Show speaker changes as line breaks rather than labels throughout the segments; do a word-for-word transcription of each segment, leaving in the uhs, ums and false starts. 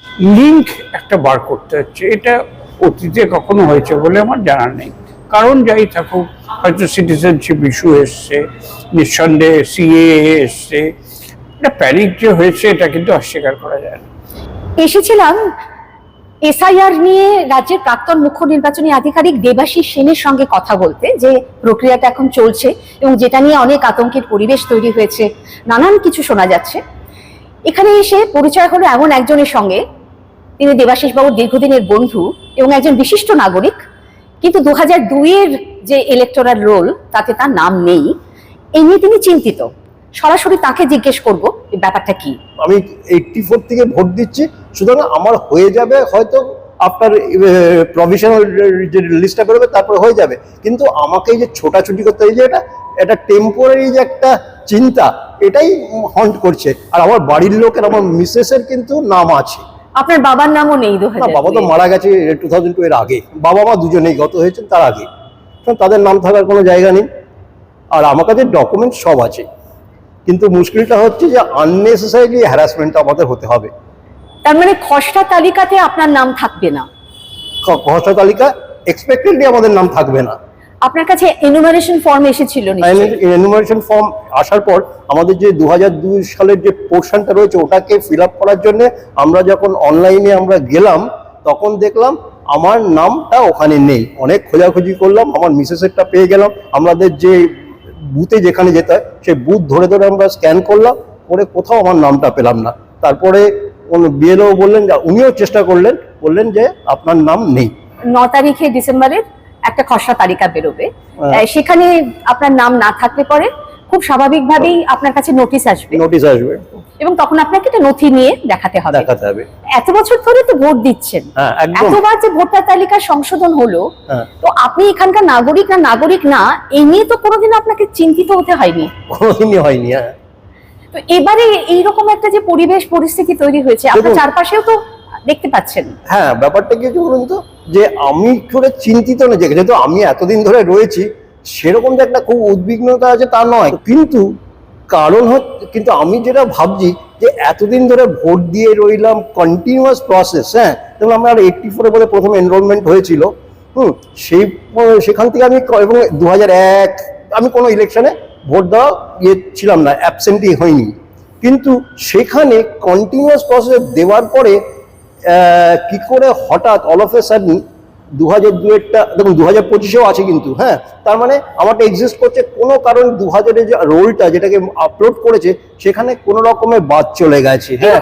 Link একটা বার করতে হচ্ছে। এটা অতীতে কখনো হয়েছে বলে আমার জানা নেই। কারণ যাই থাকুক, হয়তো সিটিজেনশিপ ইস্যু এসছে, নিঃসন্দেহে সিএএ এসছে, এটা প্যানিক যে হয়েছে এটা কিন্তু অস্বীকার করা যায় না।
এসেছিলাম এসআইআর নিয়ে রাজ্যের প্রাক্তন মুখ্য নির্বাচনী আধিকারিক দেবাশিস সেনের সঙ্গে কথা বলতে, যে প্রক্রিয়াটা এখন চলছে এবং যেটা নিয়ে অনেক আতঙ্কের পরিবেশ তৈরি হয়েছে, নানান কিছু শোনা যাচ্ছে। এখানে এসে পরিচয় হলো এমন একজনের সঙ্গে, তিনি দেবাশিস বাবুর দীর্ঘদিনের বন্ধু এবং একজন বিশিষ্ট নাগরিক, কিন্তু দু হাজার দুইয়ের যে ইলেকটোরাল রোল তাতে তার নাম নেই। এই নিয়ে তিনি চিন্তিত। সরাসরি তাকে জিজ্ঞেস করব ব্যাপারটা কি।
আমি এইটটি ফোর থেকে ভোট দিচ্ছি, সুতরাং আমার হয়ে যাবে হয়তো আপনার প্রভিশনাল যে লিস্টটা বেরোবে তারপরে হয়ে যাবে, কিন্তু আমাকে যে ছোটাছুটি করতে হয়, যে এটা এটা টেম্পোরারি যে একটা চিন্তা, এটাই হন্ট করছে। আর আমার বাড়ির লোকের, আমার মিসেসের কিন্তু নাম আছে।
আপনার বাবার নামও নেই?
বাবা তো মারা গেছে টু থাউজেন্ড টু এর আগে, বাবা মা দুজনেই গত হয়েছেন তার আগে, তাদের নাম থাকার কোনো জায়গা নেই। আর আমার কাছে ডকুমেন্ট সব আছে, কিন্তু মুশকিলটা হচ্ছে যে আননেসেসারিলি হ্যারাসমেন্ট আমাদের হতে হবে।
তার মানে খসড়া তালিকাতে আপনার নাম থাকবে না?
খসড়া তালিকা এক্সপেক্টেডলি আমাদের নাম থাকবে না।
আপনার কাছে এনুমারেশন ফর্ম এসেছিল?
এনুমারেশন ফর্ম আসার পর আমাদের যে দু হাজার দুই সালের যে পোর্শনটা রয়েছে ওটাকে ফিল আপ করার জন্য আমরা যখন অনলাইনে আমরা গেলাম, তখন দেখলাম আমার নামটা ওখানে নেই। অনেক খোঁজাখুঁজি করলাম, আমার মিসেসেরটা পেয়ে গেলাম। আমাদের যে বুথে যেখানে যেতে হয় সেই বুথ ধরে ধরে আমরা স্ক্যান করলাম, করে কোথাও আমার নামটা পেলাম না। তারপরে বিএলও বললেন, উনিও চেষ্টা করলেন, বললেন যে আপনার নাম নেই।
ন তারিখে ডিসেম্বরের একটা খসড়া তালিকা বেরোবে, সেখানে আপনার নাম না থাকলে পরে খুব স্বাভাবিকভাবেই আপনার কাছে নোটিশ আসবে
নোটিশ আসবে
এবং তখন আপনাকে একটা নথি নিয়ে দেখাতে হবে
দেখাতে হবে
এত বছর ধরে তো ভোট দিচ্ছেন, এতবার যে ভোটার তালিকার সংশোধন হলো, তো আপনি এখানকার নাগরিক না নাগরিক না এই নিয়ে তো কোনোদিন আপনাকে চিন্তিত হতে হয়নি?
কোনোদিনই হয়নি। হ্যাঁ,
তো এবারে এইরকম একটা যে পরিবেশ পরিস্থিতি তৈরি হয়েছে, আপনার চারপাশেও তো দেখতে পাচ্ছেন।
হ্যাঁ, ব্যাপারটা কি বলুন তো, যে আমি করে চিন্তিত না, যেহেতু আমি এতদিন ধরে রয়েছি, সেরকম যে একটা খুব উদ্বিগ্নতা আছে তা নয়, কিন্তু কারণ হচ্ছে, কিন্তু আমি যেটা ভাবছি যে এতদিন ধরে ভোট দিয়ে রইলাম, কন্টিনিউয়াস প্রসেস। হ্যাঁ, যেমন আমার এইটটি ফোরে বলে প্রথম এনরোলমেন্ট হয়েছিল, হুম সেই সেখান থেকে আমি, এবং দু হাজার এক আমি কোনো ইলেকশনে ভোট দেওয়া ইয়ে ছিলাম না, অ্যাবসেন্টই হয়নি, কিন্তু সেখানে কন্টিনিউয়াস প্রসেস দেওয়ার পরে কি করে হঠাৎ অল অফ এ সাডেন দু হাজার দুয়েরটা দেখুন, দু হাজার পঁচিশেও আছে কিন্তু, হ্যাঁ, তার মানে আমারটা এক্সিস্ট করছে কোনো কারণ দু হাজারের যে রোলটা যেটাকে আপলোড করেছে সেখানে কোনো রকমের বাদ চলে গেছে। হ্যাঁ,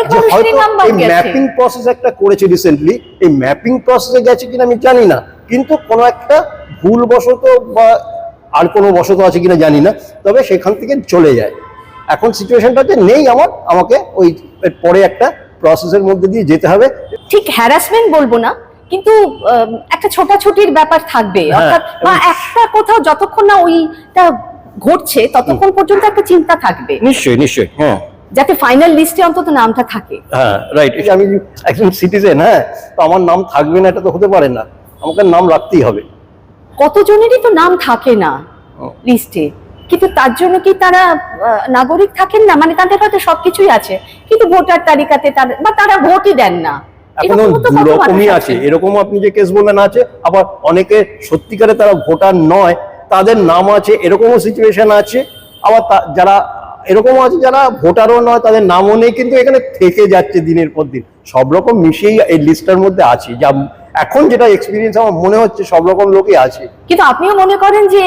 এই ম্যাপিং প্রসেস একটা করেছে রিসেন্টলি, এই ম্যাপিং প্রসেসে গেছে কিনা আমি জানি না, কিন্তু কোনো একটা ভুলবশত বা আর কোনো বশত আছে কিনা জানি না, তবে সেখান থেকে চলে যায়। এখন সিচুয়েশনটাতে নেই আমার, আমাকে ওই পরে একটা প্রসেসের মধ্যে দিয়ে যেতে হবে।
ঠিক হ্যারাসমেন্ট বলবো না, কিন্তু একটা ছোটাছুটির ব্যাপার থাকবে, অর্থাৎ বা একটা কোথাও যতক্ষণ না ওইটা ঘটছে ততক্ষণ পর্যন্ত একটা চিন্তা থাকবে।
নিশ্চয়ই নিশ্চয়ই, হ্যাঁ,
যাতে ফাইনাল লিস্টে অন্তত নামটা থাকে।
হ্যাঁ, রাইট। আমি একজন সিটিজেন, হ্যাঁ, তো আমার নাম থাকবে না এটা তো হতে পারে না, আমাকে নাম রাখতেই হবে।
কতজনেরই তো নাম থাকে না লিস্টে, কিন্তু তার জন্য কি তারা নাগরিক থাকেন না? মানে তাদের হয়তো সবকিছুই আছে, কিন্তু ভোটার তালিকাতে বা তারা ভোটই দেন না।
এখন দুরকমই আছে, এরকম আপনি যে কেস বললেন আছে, আবার অনেকে সত্যিকারে তারা ভোটার নয়, তাদের নাম আছে, এরকমও সিচুয়েশন আছে। আবার যারা এরকমও আছে যারা ভোটারও নয়, তাদের নামও নেই, কিন্তু এখানে থেকে যাচ্ছে দিনের পর দিন। সব রকম মিশিয়েই এই লিস্টটার মধ্যে আছে, যা এখন যেটা এক্সপিরিয়েন্স আমার মনে হচ্ছে সব রকম লোকই আছে।
কিন্তু আপনিও মনে করেন যে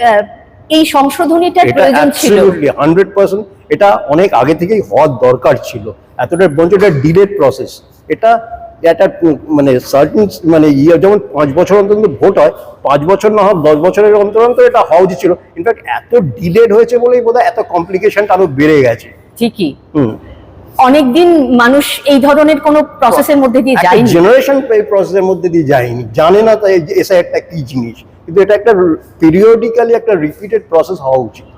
এই সংশোধনীটার প্রয়োজন ছিল?
হান্ড্রেড পার্সেন্ট এটা অনেক আগে থেকেই হওয়ার দরকার ছিল। এতটা বঞ্চ, এটা ডিলেড প্রসেস, এটা একটা মানে সার্টিন মানে ইয়ে, যেমন পাঁচ বছর অন্তর ভোট হয়, পাঁচ বছর না হোক দশ বছরের অন্তর অন্তর এটা হওয়া উচিত ছিল। ইনফ্যাক্ট এত ডিলেড হয়েছে বলেই বোধহয় এত কমপ্লিকেশনটা আরো বেড়ে গেছে।
ঠিকই, হুম অনেকদিন মানুষ এই ধরনের কোন প্রসেসের মধ্যে দিয়ে যায়নি,
জেনারেশন এই প্রসেসের মধ্যে দিয়ে যায়নি, জানে না তাই এসআইআরটা কি জিনিস, কিন্তু এটা একটা পিরিয়ডিক্যালি একটা রিপিটেড প্রসেস হওয়া উচিত।